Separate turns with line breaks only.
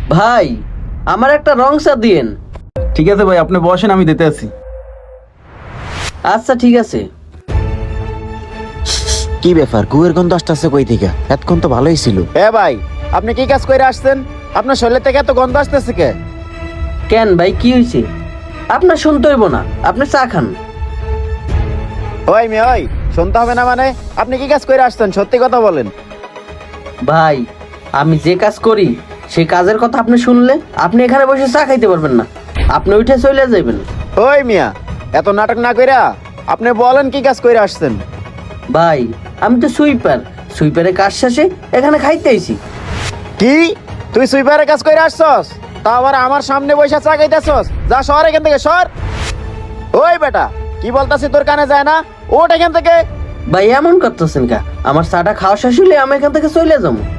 ভাই, আমার একটা রং চা দিয়েন।
ঠিক আছে ভাই, আপনি বসেন, আমি দিতে আছি।
আচ্ছা ঠিক আছে।
কি ব্যাপার, কুয়ের গন্ধ আসতেছে কই থেকে? এতক্ষণ তো ভালোই ছিল।
এ ভাই, আপনি কি কাজ করে আসছেন? আপনার শরীর থেকে এত গন্ধ আসতেছে কে?
কেন ভাই, কি হয়েছে? আপনার শুনতে হইব না, আপনি চা খান।
ওই মেয়ে, ওই শুনতে হবে না মানে? আপনি কি কাজ করে আসছেন, সত্যি কথা বলেন।
ভাই, আমি যে কাজ করি সেই কাজের কথা আপনি শুনলে আপনি এখানে বসে চা খাইতে পারবেন না, আপনি উঠে চলে যাবেন।
ওই মিয়া, এত নাটক না কইরা আপনি বলেন কি কাজ করে আসছেন।
ভাই, আমি তো সুইপারের কাজ শেষে এখানে খাইতে আইছি।
কি তুই সুইপারের কাজ করে আসছস? তা আবার আমার সামনে বসে চা খাইতেছস? যা সর এখান থেকে, সর। ওই বেটা, কি বলতাছি তোর কানে যায় না? ওঠ এখান থেকে।
ভাই, এমন করতেছেন কা? আমার চাটা খাওয়া শেষ হলে আমি এখান থেকে চলে যাবো।